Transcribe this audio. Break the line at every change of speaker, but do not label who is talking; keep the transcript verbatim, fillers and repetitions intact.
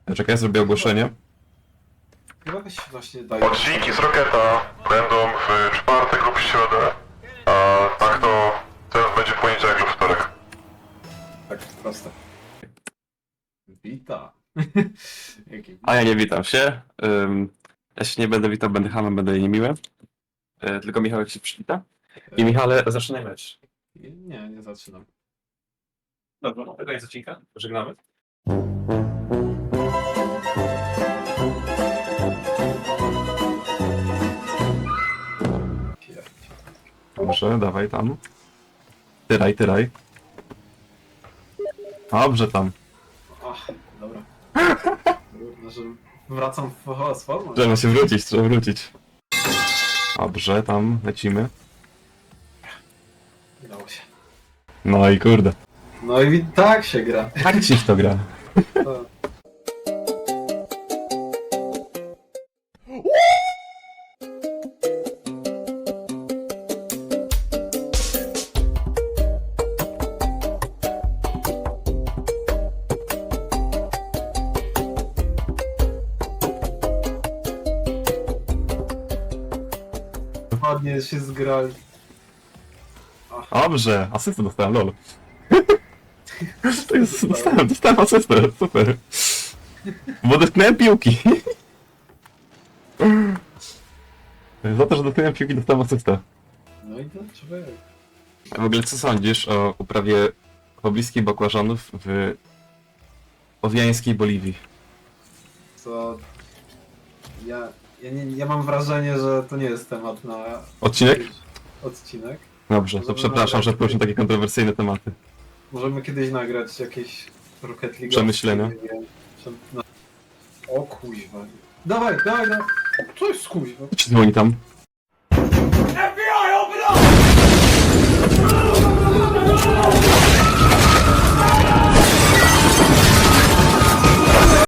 Czekaj, ja zrobię ogłoszenie.
Chyba się właśnie daje.
Odcinki z Rocketa będą w czwartek lub środę, a tak to teraz będzie poniedziałek lub wtorek.
Tak, proste. Wita. Jaki
A ja nie witam się. Ym, ja się nie będę witał, będę hamem, będę niemiły. Yy, tylko Michałek się przywita. I Michale, zaczynaj mecz.
Nie, nie zaczynam.
Dobra, no, koniec odcinka. Pożegnamy. Dobrze, dawaj tam. Tyraj, tyraj. Dobrze tam.
Ach, dobra. Trudno, że wracam w z formą.
Trzeba się wrócić, trzeba wrócić. Dobrze, tam lecimy.
Udało się.
No i kurde.
No i tak się gra.
Tak ci w to gra.
To... Ładnie się zgrali.
Dobrze, asystę dostałem, lol. To jest, dostałem, dostałem asystę, super. Bo dotknąłem piłki. Za to, że dotknąłem piłki, dostałem asystę.
No i to człowiek.
A w ogóle co sądzisz o uprawie pobliskiej bakłażanów w owiańskiej Boliwii?
Co... Ja, ja, nie, ja mam wrażenie, że to nie jest temat na...
Odcinek?
Odcinek.
Dobrze, to przepraszam, że poruszę takie kontrowersyjne tematy.
Możemy kiedyś nagrać jakieś Rocket League.
Przemyślenia.
O kuźwa. Dawaj, dawaj, dawaj. Co jest kuźwa?
Co ci dzwoni tam?